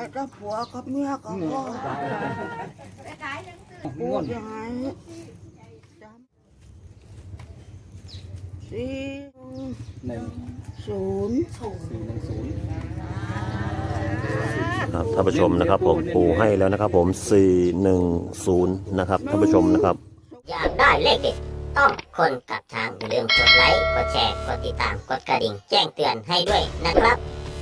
จะผัวกับเมียกับพ่อปูยังไง410 ครับท่านผู้ชมนะครับผมปูให้แล้วนะครับผม410นะครับท่านผู้ชมนะครับอยากได้เลขเด็ดต้องคนกับทางอย่าลืมกดไลค์กดแชร์กดติดตามกดกระดิ่งแจ้งเตือนให้ด้วยนะครับ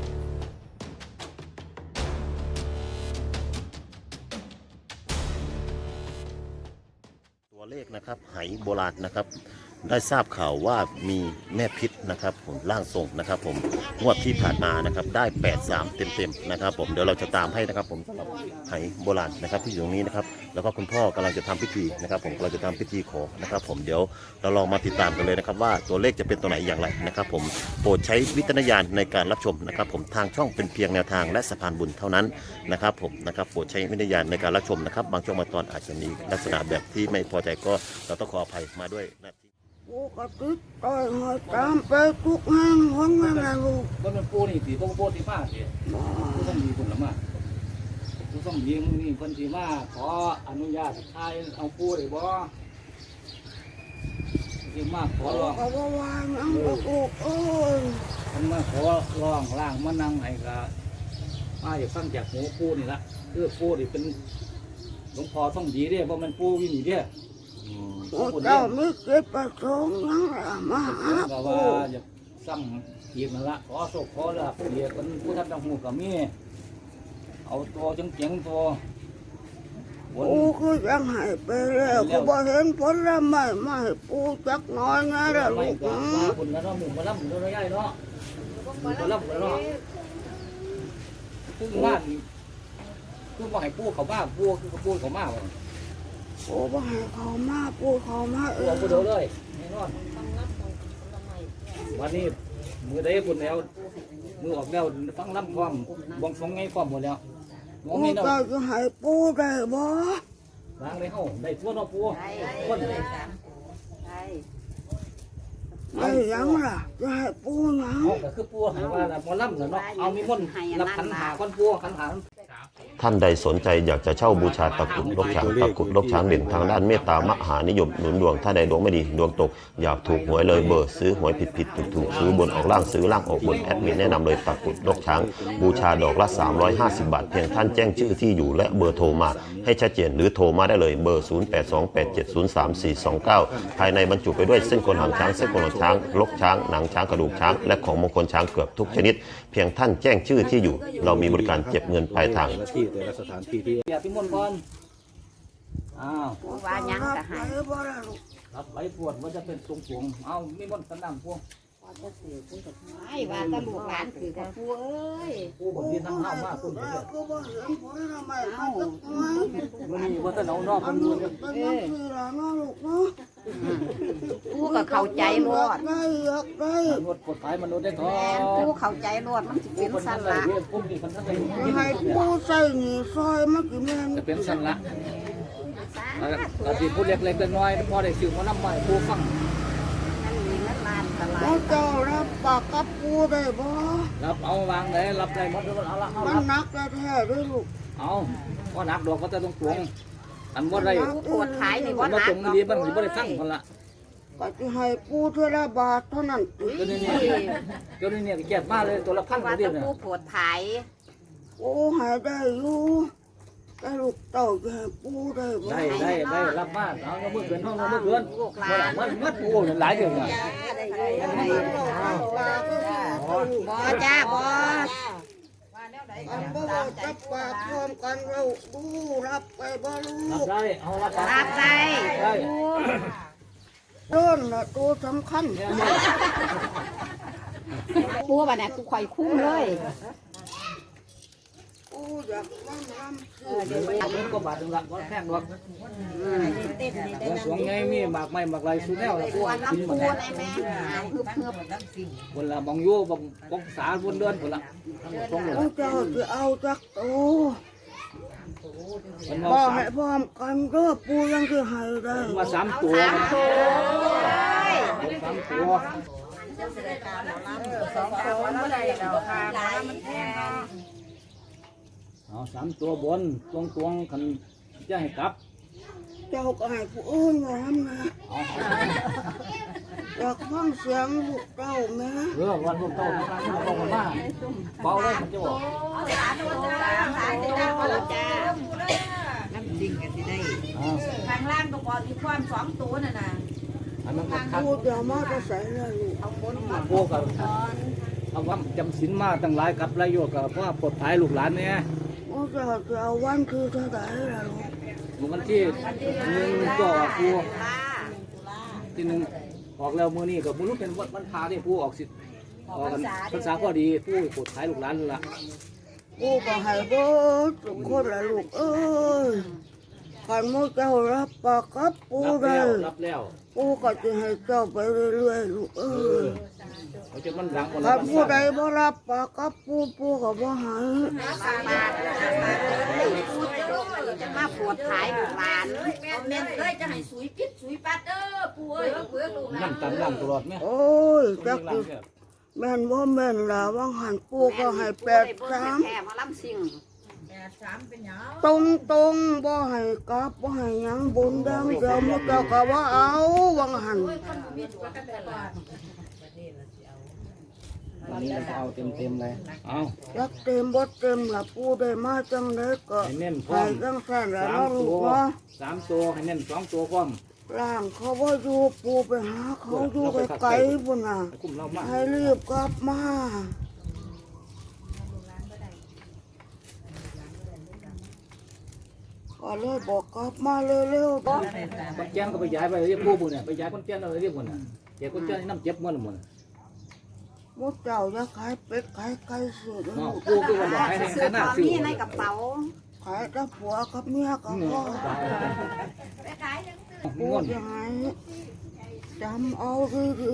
ตัวเลขนะครับไหโบราณนะครับได้ทราบข่าวว่ามีแม่พิษนะครับผมร่างทรงนะครับผมงวดที่ผ่านมานะครับได้83เต็มๆนะครับผมเดี๋ยวเราจะตามให้นะครับผมสำหรับไหโบราณนะครับที่อยู่ตรงนี้นะครับแล้วก็คุณพ่อกำลังจะทำพิธีนะครับผมเราจะทำพิธีขอนะครับผมเดี๋ยวเราลองมาติดตามกันเลยนะครับว่าตัวเลขจะเป็นตัวไหนอย่างไรนะครับผมโปรดใช้วิจารณญาณในการรับชมนะครับผมทางช่องเป็นเพียงแนวทางและสะพานบุญเท่านั้นนะครับผมนะครับโปรดใช้วิจารณญาณในการรับชมนะครับบางช่วงบางตอนอาจจะมีลักษณะแบบที่ไม่พอใจก็เราต้องขออภัยมาด้วยนะปูกระติกต่อยหอยตามไปทุกแห่งห้องนั่นแหละลูกบ่มันปูนี่สิบ่ปูที่มาสิผู้ต้องมีคนละมาผู้ต้องมีมึงนี่เพิ่นสิมาขออนุญาตถ่ายเอาปูได้บ่สิมาขอร้องก็บ่ว่าหยังลูกเอ้ยเพิ่นมาขอร้องล่างมานั่งให้ก็มาอยากฟังจากหูปูนี่ล่ะคือปูนี่เป็นหลวงพ่อต้องดีเด้บ่มันปูวินี่เด้เจ้าไม่เก็บประสงค์ยังละมาหาก็ว่าจะซ้ำอีกนั่นละขอโชคขอลาภเรียกเป็นผู้ทำดังหูกับมีเอาตัวจังเจียงตัวปูคือยังให้ไปแล้วก็บ่เห็นผลละไม่ให้ปูจักน้อยนะละลูกมาคุณแล้วเนาะหมู่มาล่ำหมู่ตัวใหญ่เนาะหมู่มาล่ำแล้วเนาะคือบ้านคือว่าให้ปูเขาบ้าปูคือปูเขาบ้าปูบ่ให้เขามาปูเขามาปูเอาปูเดียวเลยแน่นอนวันนี้มือได้ปุ่นแล้วมือออกแล้วฟังล่ำความบวงสรวงไงความหมดแล้วปูก็จะให้ปูได้บ่ล้างในห้องได้ทั่วเนาะปูคนได้ยังล่ะจะให้ปูยังก็คือปูให้ว่าหมอล่ำเนาะเอามีมนต์รับขันหาคนปูขันหาท่านใดสนใจอยากจะเช่าบูชาตะกรุดลกช้างตะกรุดลกช้างเด่นทางด้านเมตตามหานิยมหนุนดวงถ้าใดดวงไม่ดีดวงตกอยากถูกหวยเลยเบอร์ซื้อหวยผิดถูกซื้อบนออกล่างซื้อล่างออกบนแอดมินแนะนำเลยตะกรุดลกช้างบูชาดอกละ350 บาทเพียงท่านแจ้งชื่อที่อยู่และเบอร์โทรมาให้ชัดเจนหรือโทรมาได้เลยเบอร์0828703429ภายในบรรจุไปด้วยเส้นขนหางช้างเส้นขนหางช้างลกช้างหนังช้างกระดูกช้างและของมงคลช้างเกือบทุกชนิดเพียงท่านแจ้งชื่อที่อยู่เรามีบริการเก็บเงินปลายทางแต่ละสถานที่ที่อย่าพิมพ์ก่อนอ้าวว่ายังจะหายรับไว้ปวดมันจะเป็นตรงปวงเอามีมนต์สันดำพวงไม่ว่าตะลูกหลานคือกับผู้เอ้ยผู้บนที่นั่งเล่ามากคุณเนี่ยมันมีว่าตะเหนานอกมันดูผู้ก็เข้าใจรอดรถกฎหมายมนุษย์ได้ท้อผู้เข้าใจรอดมันจะเป็นสันละให้ผู้ใส่หนีซอยมันคือแม่จะเป็นสันละแต่ที่ผู้เล็กๆน้อยพอได้สื่อมาน้ำใหม่ผู้ฟังเจ้ารับปากกับปูได้บ่รับเอาวางได้รับได้หมดเอาละมันนักแท้ด้วยลูกเอาก็นักดอกก็จะต้องตวงอันว่าไรปวดท้ายนี่ว่านักตรงนี้มันไม่ได้ฟังคนละก็จะให้ปูเท่าละบาทเท่านั้นตัวนี้เก็บมาเลยตัวละ1,000เดียวเนี่ยปวดท้ายโอ้หายได้อยู่ได้ลูกเต่าจะให้ปูได้ได้รับบ้านเอาเมื่อเกินห้องเมื่อเกินมันปูหลายเดือนเลยบ่จ้าบ่อันบ่จับปากพร้อมกันเราดูรับไปบ่ลูกได้เอารับได้เดินละตัวสำคัญปูบ่เนี่ยกูข่อยคุ้มเลยอยากฟังรำก็บาดหนึ่งละก็แข้งหรอกสวงไงมีหมากไม้หมากไรสู้แนวแล้วกูกินหมดแล้วคนละมองยู่บงสาวนเดินคนละเจ้าจะเอาจักตัวบ่ให้พร้อมกันก็ปูยังคือให้ได้มา3 ตัว3 ตัว 2 ตัวไม่ได้ดอกค่ะมันแพงเอา3ตัวบนตรงๆคันจะให้กลับเจ้าก็ให้ผู้อื่นมาทำนะเอาอยากฟังเสียงลูกเต้าแม่วันลูกเต้าที่นั่งมาบอกกันมาเบาเลยมันจะบอกน้ำจริงกันสิได้ข้างล่างก็พอมีความสองตัวน่ะนะอันนั้นก็คักพูดอย่ามาจะใส่เลยลูกเอาบนมาพวกกับเอาว่าจำศีลมาตั้งหลายกับหลายโยกกับว่าปลดภัยลูกหลานเนี่ยโอ้จะเอาวันคือเท่าไหร่ล่ะลูกวันที่1ก็ครูที่1ออกแล้วมื้อนี้ก็บ่รู้เป็นวันพาที่ผู้ออกสิออกกันภาษาก็ดีผู้ปลดภัยลูกหลานนั่นล่ะกูก็ให้เบิดทุกคนละลูกเอ้ยขันมือเจ้ารับปากกับปูได้รับแล้วปูก็จะให้เจ้าไปเรื่อยๆลูกเอ้ยเขาจะมันหลังคนขันผู้ใดบ่รับปากกับปูปูก็บ่ให้จะมาปวดขายลูกหลานแม่นเอ้ยจะให้สุยพิษสุยปัดเด้อปู่เอ้ยเพื่อลูกหลานนั่งตามตลอดแม่โอ้ยจักสิแม่นบ่แม่นล่ะว่างหันปูก็ให้8 3 แค่มาล้ำสิ่ง 83เป็นหยังตรงบ่ให้กลับบ่ให้หยังบุญดังเดิมมื้อเจ้าก็ว่าเอาว่างหันมีตัวกันตลอดวันนี้เราเอาเต็มเลยเอาจักเต็มบ่เต็มล่ะปูได้มาจังได๋ก็ให้เน้นพร้ให้อมจังซั่นล่ะสาเนาะมลูตักวเนาะ 3ตัวให้เน้น2ตัวพร้อมร่างเขาบ่อยู่ปูไปหาเขาอยู่ไกลๆพุ่นน่ะให้คุ้มเรามากให้รีบกลับมาก็เลยบอกกลับมาเร็วๆบ่คนแจ้งก็ไปย้ายไปเรียกผู้บุญเนี่ยไปย้ายคนแจ้งเราเรียกบุญน่ะเจ้าคนแจ้งน้ำเจ็บมันหมดมดเจ้าจะขายเป็ดขายไก่สุดเนาะผู้ก็บอกให้ซื้อหน้าของซื้อนี่ในกระเป๋าขายกับผัวกับเมียกับพ่อไปขายยังปูเงินจะให้จำเอาดี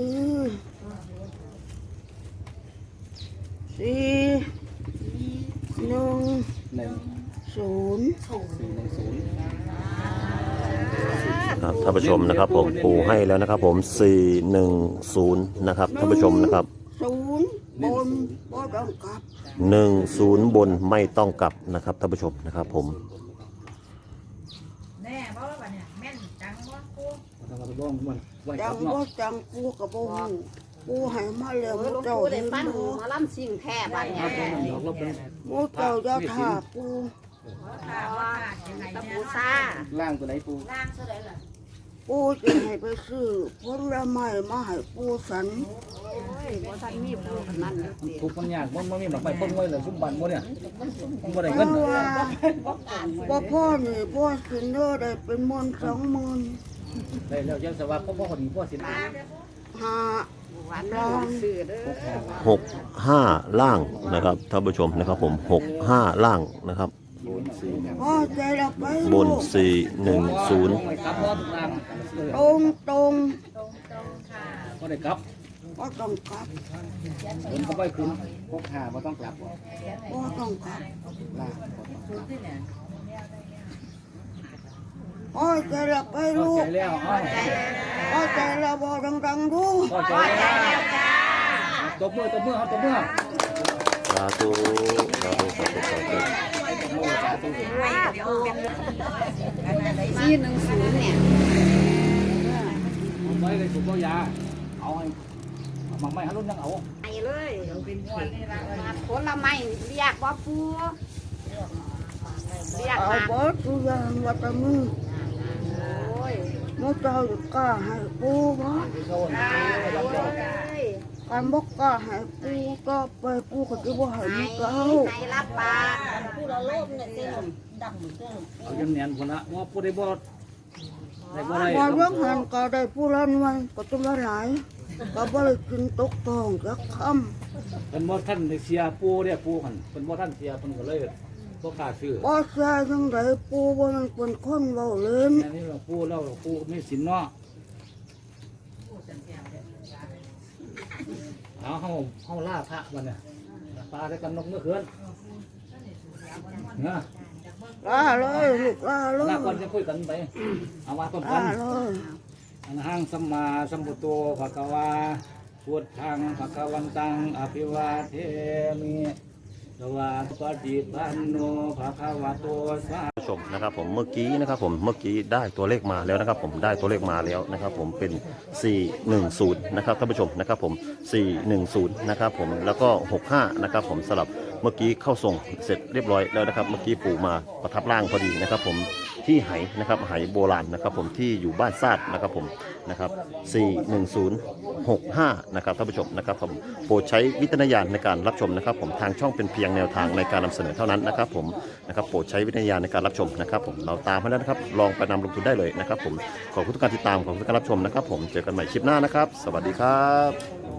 ๆ4 1 0 ครับท่านผู้ชมนะครับผมปูให้แล้วนะครับผม410นะครับท่านผู้ชมนะครับ 0บนบ่ต้องกลับ 10บนไม่ต้องกลับนะครับท่านผู้ชมนะครับผมแน่บ่ล่ะบัดเนี่ยแม่นจังบ่ปู่ทำกระบ้องมันไว้คจัรังบเนาะบ่จังปูกับบ่ฮู้ปูให้มาแล้วมดหลวงเจ้าปู่ได้เห็นปั้นบ่มาล้ำสิ่งแท้บัดคเนี่รับผมดอกเราเป็นมดเจ้าจะท่าปูถ้าว่าจังไงตะแน่ปูซาล่างตัวไหนปูล่างเท่าไหร่ล่ะปูจะให้ไปซื้อผลไม้มาให้ปูสันโอ้ยบ่ทันมีปูขนาดนั้นทุกมันยากมันมีดอกไม้ต้นไว้เลยซุ้มบันโมเนี่ยบ่ได้เพเงินราะว่าบ่พ่อนี่พ่อสินเด้อได้เป็นหมื่น20,000 ได้แล้วยังสวัสดิ์พ่อคนนี้พ่อสินหาหวานน้ำซื้อเด้อ 65ล่างนะครับท่านผู้ชมนะครับผม65ล่างนะครับพ่อใจเราไปบนลูก 410 ครับพ่อทุกนางตรงพ่อได้ครับบ่ต้องกลับผมก็ไปขึ้นพกหาบ่ต้องกลับบ่ต้องกลับล่างพ่อใจเราไปพอลูใจกแล้วอ้าวพ่อใจเราบ่ดังๆดูพอใจแล้วตบมือครับตบมือสาธุสาธุสาธุสาธุ 410เนี่ยผมไว้เลยถูกก็ยาเอาให้มังไม่ฮัลโหลยังเอาไปเลยผลไม้เรียกว่าปูเรียกเอามาเบิดทุกอย่างว่าแต่มือโอ้ยมดเจ้าจะกล้าให้ปูบ่ การบอกกล้าให้ปูก็ไปปูก็จะบ่ให้มีเก้าให้รับปากเอาจำเนียนคนละว่าผู้ใดบ่ได้บ่ได้พอเรื่องหันก็ได้ผู้ละหน่วยก็ต้องละหลายก็บ่ได้กินตกทองจักคเป็นบ่ท่านได้เสียปูเนี่ยปูหันเป็นบ่ท่านเสียเพิ่นก็เลยบ่กล้าซื้อำบ่ใช่จังไดปูบ่มันเป็นคนเว้าเล่นอันนี้เราปูเราปูมีสินเนาะเอาเฮาล่าพระวันเนี่ยปลาได้กันนกเมื่อคืนนะลาเลยลูกลาเลยลาก่อนจะคุยกันไปเอามาต้นกัลาน เลยอันหังสัมมาสัมพุทโธภะคะวาพุทธังภะคะวันตังอภิวาเทมิสวาปฏิปันโนภะคะวะโตสาผู้ชมนะครับผมเมื่อกี้นะครับผมเมื่อกี้ได้ตัวเลขมาแล้วนะครับผมได้ตัวเลขมาแล้วนะครับผมเป็น 410นะครับท่านผู้ชมนะครับผม410นะครับผมแล้วก็65นะครับผมสลับเมื่อกี้เข้าส่งเสร็จเรียบร้อยแล้วนะครับเมื่อกี้ปู่มาประทับร่างพอดีนะครับผมที่ไหนะครับไหโบราณนะครับผมที่อยู่บ้านซาดนะครับผมนะครับ41065นะครับท่านผู้ชมนะครับผมโปรดใช้วิจารณญาณในการรับชมนะครับผมทางช่องเป็นเพียงแนวทางในการนำเสนอเท่านั้นนะครับผมนะครับโปรดใช้วิจารณญาณในการรับชมนะครับผมเราตามให้แล้วนะครับลองไปนำลงทุนได้เลยนะครับผมขอบคุณทุกการติดตามขอบคุณทุกการรับชมนะครับผมเจอกันใหม่คลิปหน้านะครับสวัสดีครับ